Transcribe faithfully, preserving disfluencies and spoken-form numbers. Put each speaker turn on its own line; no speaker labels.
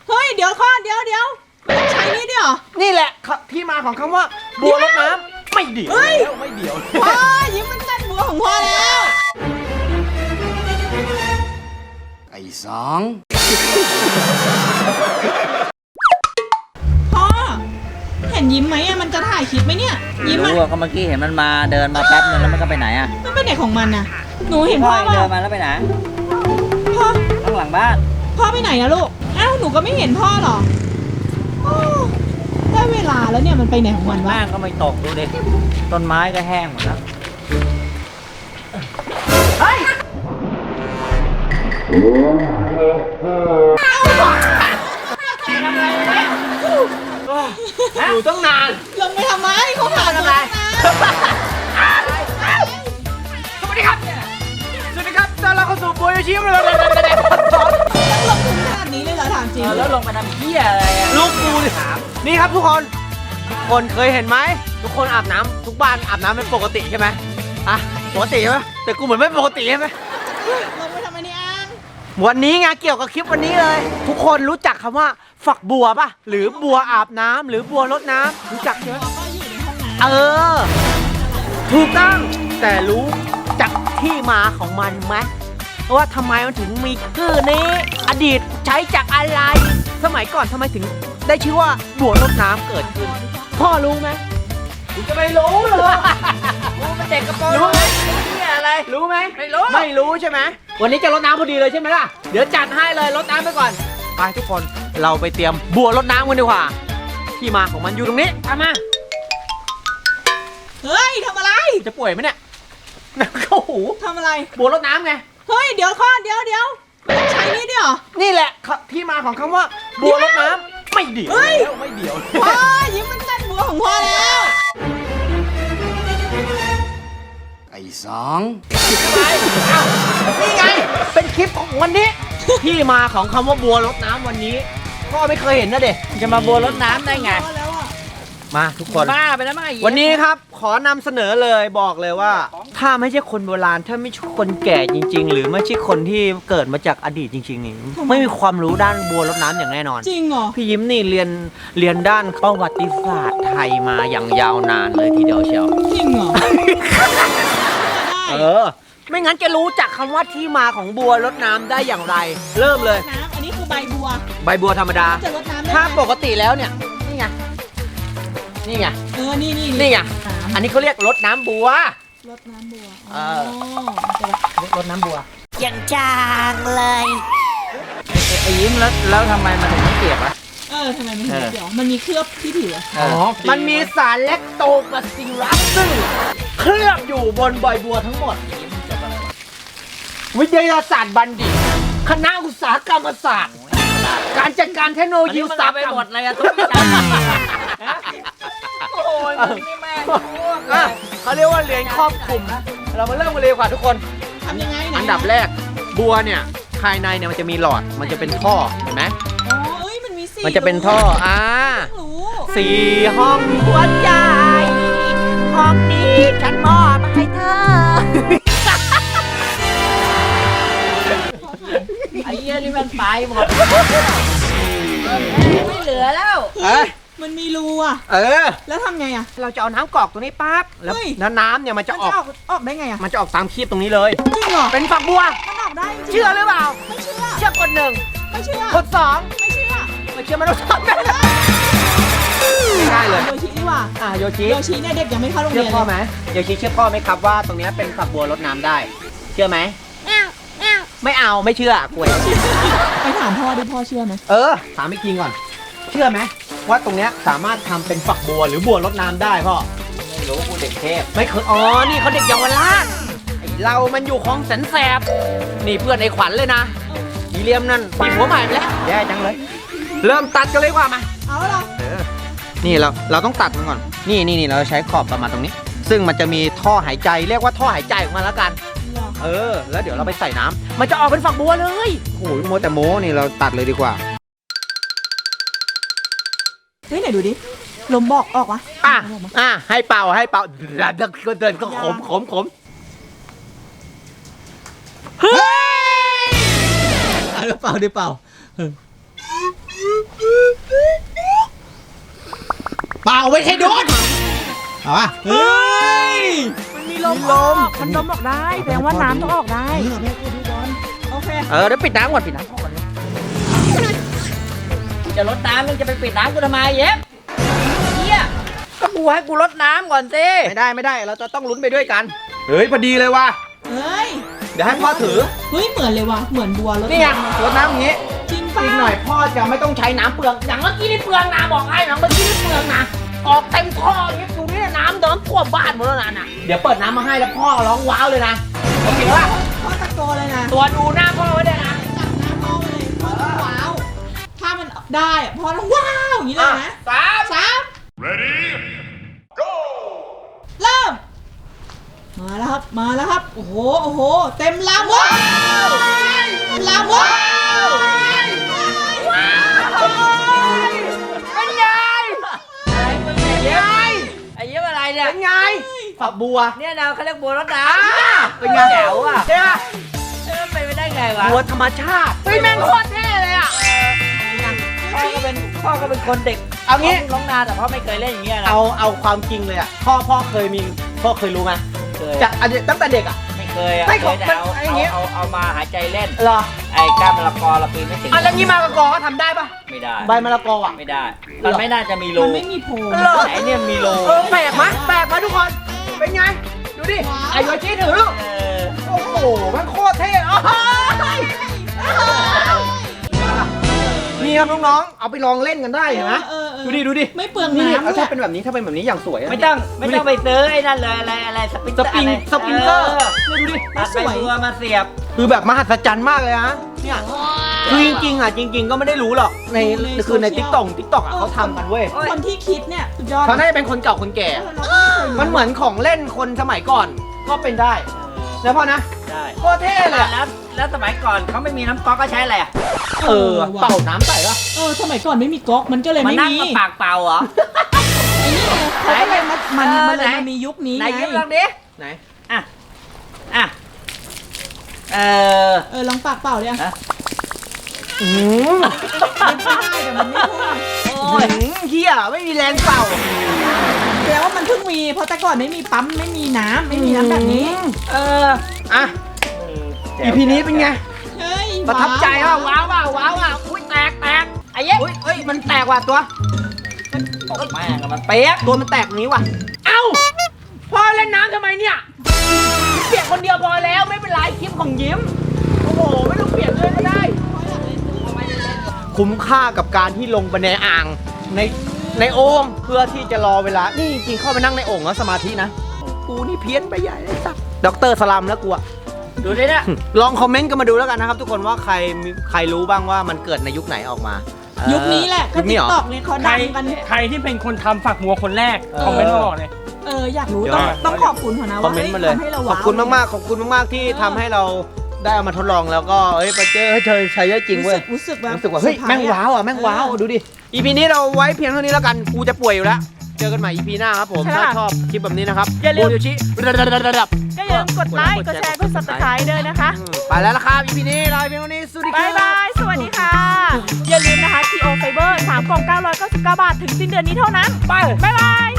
เฮ้ยเดี๋ยวข้อเดี๋ยวเดี๋ยวใช้นี่ด้วยเหรอ
นี่แหละที่มาของคำว่าบัวรดน้ำไม่เดี่ยวแล้วไม่เดี่ยว
พ่อยิ้มมันเต้นบัวของพ่อแล้ว
ไอ้สอง
พ่อเห็นยิ้มไหมอะมันจะถ่ายคลิปไหมเนี่ยยิ้มมัน
รู้ก็เมื่อกี้เห็นมันมาเดินมาแป๊บนึงแล้วมันก็ไปไหนอ่ะ
มันไปไหนของมันน่ะหนูเห็นพ่อ
เดินมาแล้วไปไหน
พ่อ
ข้างหลังบ้าน
พ่อไปไหนนะลูกอ้าวหนูก็ไม่เห็นพ่อหรอได้เวลาแล้วเนี่ยมันไปไหนของมันวะ
บ้านก็ไม่ตกดูดิต้นไม้ก็แห้งหมดแล้ว
เฮ้ยอยู่ตั้งนาน
ลงไปทำไมเขาหาอะไร
สวัสดีครับสวัสดีครับตอนเราเข้าสู่โบยชิมเลย
ลงทุนขนาดนี้เลยเหรอถามจริง
แล้วลงไปทำเหี้ยอะไร
ลูกกูถามนี่ครับทุกคนทุกคนเคยเห็นไหมทุกคนอาบน้ำทุกบ้านอาบน้ำเป็นปกติใช่ไหมอ่ะปกติใช่ไหมแต่กูเหมือนไม่ปกติใช่ไหม
ลงไปทำไมเนี่ยอัง
วันนี้ไงเกี่ยวกับคลิปวันนี้เลยทุกคนรู้จักคำว่าฝักบัวป่ะหรือบัวอาบน้ำหรือบัวรดน้ำรู้จักใช่ไหมเออถูกต้องแต่รู้จักที่มาของมันไหมว่าทำไมมันถึงมีชื่อนี้อดีตใช้จากอะไรสมัยก่อนทำไมถึงได้ชื่อว่าบัวรดน้ำเกิดขึ้นพ่อรู้ไหมกูจะไม่รู้เลย
รู้เป็นเด็กกระโปรง
รู้ไหม
อะไร
รู้ไหม
ไม่รู้
ไม่รู้ใช่ไหมวันนี้จะรดน้ำพอดีเลยใช่ไหมล่ะเดี๋ยวจัดให้เลยรดน้ำไปก่อนไปทุกคนเราไปเตรียมบัวรดน้ำกันดีกว่าที่มาของมันอยู่ตรงนี้ตามมา
เฮ้ยทำอะไร
จะป่วยไหมเนี่ยเข้าหู
ทำอะไร
บัวรดน้ำไง
เฮ้ยเดี๋ยวข้อเดี๋ยวเดี๋ยวใช้นี่ด้วยเหรอ
นี่แหละที่มาของคำว่าบัวรดน้ำไม่เดี่ยวแล้วไม่เดี่ยว
พ่อยิ้มมันเต้นบัวของพ่อแล้ว
ไอ้สอง
นี่ไงเป็นคลิปของวันนี้ที่มาของคำว่าบัวรดน้ำวันนี้พ่อไม่เคยเห็นนะเด็ก
จะมาบัวรดน้ำได้ไง
มาทุกคน
บ้าไปแล้วมั้ง
วันนี้ครับขอนำเสนอเลยบอกเลยว่าถ้าไม่ใช่คนโบราณถ้าไม่ใช่คนแก่จริงๆหรือไม่ใช่คนที่เกิดมาจากอดีตจริงๆนี่ไม่มีความรู้ด้านบัวรดน้ำอย่างแน่นอน
จริงเหรอ
พี่ยิ้มนี่เรียนเรียนด้านประวัติศาสตร์ไทยมาอย่างยาวนานเลยทีเดียวเชียว
จริงเหรอ
เออไม่งั้นจะรู้จักคำว่าที่มาของบัวรดน้ำได้อย่างไรเริ่มเลย
น้ำอันนี้คือใบบัว
ใบบัวธรรมดา
จะรดน้ำ
ถ้าปกติแล้วเนี่ยนี่ไงนี่ไง
เออนี่นี่
นี่ไงอันนี้เขาเรียกรดน้ำบัว
รดน้ำบัว
เออรดน้ำบัว
อย่างจางเลย
ไอ้ยิ้มแล้วแล้วทำไมมันถึงไม่เปียกวะ
เออทำไมมันถึงไม่เปียกมันมีเคลือบที่ผิว
อ๋อมันมีสารแลคโตบาซิลลัสซึ่งเคลือบอยู่บนใบบัวทั้งหมดวิทยาศาสตร์บัณฑิตคณะอุตสาหกรรมศาสตร์การจัดการเทคโนโลยีอุตสาหกรรม
หมดเลยอะทุกอย่างโอ้ยนี่แม่
เขาเรียกว่าเรียนครอบคลุมเรามาเริ่มกันเลยกว่าทุกคน
ทำยังไง
อันดับแรกบัวเนี่ยภายในเนี่ยมันจะมีหลอดมันจะเป็นท่อเห็นไหม
อ๋อเอ้ยมันมีสี่
มันจะเป็นท่ออ่าสี่ห้องหัวใจห้องนี้ฉันมอบให้เธอ
ไอ้เหี้ยนี่มันไปหมดไม่เหลือแล้ว
มันมีรูอ่ะ
เออ
แล้วทำไงอ่ะ
เราจะเอาน้ำกรอกตรงนี้ปั๊บแล้วน้ำเนี่ยมันจะออก
ออกได้ไงอ่ะ
มันจะออกตามคีบตรงนี้เลย
จริงเหรอ
เป็นฝักบัว
มันออกได้จริง
เชื่อหรือเปล่า
ไม่เชื่อ
เชื่อคนหนึ่ง
ไม่เชื่อ
คนสอง
ไม่เชื่อ
ไม่เชื่อมันต้องทำได้ได้เลย
โยชิดีกว่า
อ่ะโยชิ
โยชิเนี่ยเด็กยังไม่เข้าโรงเรียน
เชื่อพ่อไหมโยชิเชื่อพ่อไหมครับว่าตรงนี้เป็นฝักบัวรดน้ำได้เชื่อไหมไม่เอาไม่เชื่อกลัว
ไปถามพ่อดิพ่อเชื่อไหม
เออถามอีกทีก่อนเชื่อไหมว่าตรงนี้สามารถทำเป็นฝักบัวหรือบัวรดน้ำได้พ่อ
ไม่รู้กูเด็กเทพ
ไม่เคยอ๋อนี่เขาเด็กเยาวราชไอเรามันอยู่ของแสนแสบนี่เพื่อนไอ้ขวัญเลยนะอีเลียมนั่นมีผัวใหม่ไปแล้วแย่จังเลยเริ่มตัดกันเลยว่ามา
เอาเหรอ
เออนี่เราเราต้องตัดมันก่อนนี่นี่นี่เราใช้ขอบประมาณตรงนี้ซึ่งมันจะมีท่อหายใจเรียกว่าท่อหายใจออกมาแล้วกันเออแล้วเดี๋ยวเราไปใส่น้ำมันจะออกเป็นฝักบัวเลยโอ้ยโมแต่โมนี่เราตัดเลยดีกว่า
เฮ้ยไหนดูดิลมบอกออกวะ
อ่ะอ่ะให้เป่าให้เป่าเดินก็เดินก็ขมขมขมเฮ้ยเป่าดิเป่าาไม่ใช่ดูดเอาป่ะ
เฮ้ย
มันมีลมลมมันลมออกได้แสดงว่าน้ำต้องออกได้
โอเค
เออเดี๋ยวปิดน้ำก่อนปิดน้ำก่อน
จะลดน้ำมึงจะไปปิดน้ำกูทำไมเย็บเฮียก็กูให้กูลดน้ำก่อนสิ
ไม่ได้ไม่ได้เราจะต้องลุ้นไปด้วยกันเฮ้ยพอดีเลยว่ะ
เฮ้ย
เดี๋ยวให้พ่อถือ
เฮ้ยเหมือนเลยว่ะเหมือนบัวรถ
นี่ไงรดน้ำอย่างนี้
จริงป่ะ
อีกหน่อยพ่อจะไม่ต้องใช้น้ำเปลืองอย่างเมื่อกี้นี่เปลืองนะบอกให้นะเมื่อกี้นี่เปลืองนะออกเต็มท่ออย่างนี้ดูนี่น้ำเดินท่วมบ้านหมดแล้วนะน่ะเดี๋ยวเปิดน้ำมาให้แล้วพ่อร้องว้าวเลยนะโอเคป่ะ
พ่อตะโกนเลยนะ
ตัวดูหน้าพ่อไว้ด้วยนะ
จับหน้าพ่อไปเลยพ่อต้องว้าว ถ้ามันได้อะพ่อต้องว้าวอย่างนี้เลยนะ
สาม
สาม ready go เริ่ม มาแล้วครับ มาแล้วครับ โอ้โห โอ้โห เต็มลำว้าวเต็มลำว้าว
เป็นไง
อะไรมึงเนี่ยเย็บไอ้เย็บอะไรเนี่ย
เป็นไงฝักบัว
เนี่ยเราเขาเรียกบัวรดน้
อ่า
ำ
เป็นไง
แจ๋วอ่ะ
ใช่ป่ะ
เออเป็นไปได้ไงวะ
บัวธรรมชาติเฮ้ยแม่งโคตรเท่เลยอ่ะ
พ่อก็เป็นพ่อก็เป็นคนเด็ก
เอางี้
ร้องนาแต่พ่อไม่เคยเล่นอย่างเงี้ยนะ
เอาเอาความจริงเลยอ่ะพ่อพ่อเคยมีพ่อเคยรู้ไหม
เคย
จากอันเด็กตั้งแต่เด็กอ่ะ
ไม่เคยอ่ะ
ไม่
เค
ของ
ยแต่
มัน
เอา
ไอ้อย่างเงี้ย
เอาเอามาหายใจเล่น
เหรอ
ไอ้กล้ามมะละกอเราปีนไม่ถึง
อันนี้มะละกอก็ทำได้ปะ
ไม่ได้
ใบมะละกออ่ะ
ไม่ได้ มันไม่น่าจะมีรู
มันไม่มีโพรง
เหรอ
ไหนเนี่ยมีรู
เออแปลกไหมแปลกไหมทุกคนเป็นไงดูดิไอ้โยชิถือลูก
เออ
โอ้โหมันโคตรเท่โอ้ยนี่ครับน้องๆเอาไปลองเล่นกันได้เห็นไหม
เออเออ
ดูดิดูดิ
ไม่เปลือง
นี่
น้ำด้ว
ถ้าย เป็นแบบนี้ถ้าเป็นแบบนี้อย่างสวยะ
ไม่ต้องไม่ต้องไปซื้อไอ้นั่นเลยอะไรอะไรสปริง
สปริง
อะไร
สปริงเกอร์เนี่ยดูดิ
ตัดไปตัวมาเสียบ
คือแบบมหัศจรรย์มากเลยฮะเนี่ยคือจริงๆอ่ะจริง ๆ ก็ไม่ได้รู้หรอกในคือในติ๊กต็อกติ๊กต็อกอ่ะเขาทำกันเว้ย
คนที่คิดเนี่ยสุดยอด
เขาน่าจะเป็นคนเก่าคนแก่ มันเหมือนของเล่นคนสมัยก่อนก็เป็นได้แล้วพ่อนะ
ได้
โคตรเท่เลยอะ
แล้วแล้วสมัยก่อนเขาไม่มีน้ำก๊อกก็ใช้อะไรอ่ะ
เออเป่าน้ำใส่ปะ
เออสมัยก่อนไม่มีก๊อกมันก็เลย
มา
ไม่
นั่ง
มี
มาปากเปล่าเหรอ
ไอ้นี่ไงเขาก็เลยมามัน
เออ
มันเลย
ไหน
มามียุคนี้
ไหน
ไง
ยิ้มลองดิ
ไหน
อ่ะอ่ะเออ
เออลองปากเปล่าเลยอะ
ฮะ
อืม
มันได้แต่มันไม่พุ่ง
โอ้ย
เฮียไม่มีแรงเป่า
แสดงว่ามันเพิ่งมีเพราะแต่ก่อนไม่มีปั๊มไม่มีน้ำไม่มีน้ำแบบนี้
เออ
อ่ะ อีพีนี้เป็นไง
เฮ้ย
ประทับใจอ่ะ
ว้าว
ว้าวอ่ะว้าวอ่ะอุ้ยแตกแตก
ไอ้เย็บ
อุ้ยเอ้ยมันแตกว่ะตัว
ตกแม่งอะมันเปียก
ตัวมันแตกนี้ว่ะเอ้าพ่อเล่นน้ำทำไมเนี่ยเปียกคนเดียวพอแล้วไม่เป็นไรคลิปของยิ้มโอ้โหไม่ต้องเปียกเลยก็ได้ คุ้มค่ากับการที่ลงไปในอ่างในในโอ่งเพื่อที่จะรอเวลา นี่จริงๆเข้าไปนั่งในโอ่งแล้วสมาธินะ กูนี่เพี้ยนไปใหญ่เลยสักด็อกเตอร์สลัมแล้วกูอะ
ดูดิเนี่ย
ลองคอมเมนต์กันมาดูแล้วกันนะครับ ทุกคนว่าใครมีใครรู้บ้างว่ามันเกิดในยุคไหนออกมา
ยุคนี้แหละก็
ยุคนี้
ติ๊
เหร
ก
อ
ต็อกเนี่ยเขา
ใคร
ดังกัน
ใครที่เป็นคนทำฝักบัวคนแรก
เออ
คอมเมนต์มาบอกเลย
เอออยากรู้
เดี๋ยว
ต้อง
ก่อน
ต้องขอบคุณเขานะ
คอม
ว่า
เมนต์มาเลย
ทำให้เรา
ข
ว้าว
อบคุณมากๆขอบคุณมากๆที่ทำให้เราได้เอามาทดลองแล้วก็เฮ้ยไปเจอให้เธอใช้ได้จริงเว้ย
รู้สึกแบบ
รู้สึกว่าเฮ้ย
ซอร์ไพร
แม่ง
ส์ะ
ว้าวอ่ะแม่งว้าว
เออ
ดูดิ อีพีนี้เราไว้เพียงเท่านี้แล้วกันกูจะป่วยอยู่แล้ว เจอกันใหม่ อีพีหน้าครับผม
ใช่
ถ้า
ค่ะ
ชอบคลิปแบบนี้นะครับ
อย่าลืม
โอโยชิระดับระดับ
ก็อย่าลืมกดไลค์กดแชร์กด subscribe ด้วยนะคะ
อืมไปแล้วละครับ อีพีนี้ลาไปเพียงเท่านี้สวัสดีครับ
ายบาย สวัสดีค่ะ อย่าลืมนะคะ ที โอ Fiber สามกล่องเก้าร้อยเก้าสิบเก้าบาท ถึงสิ้นเดือนนี้เท่านั้น ไป บ๊ายบาย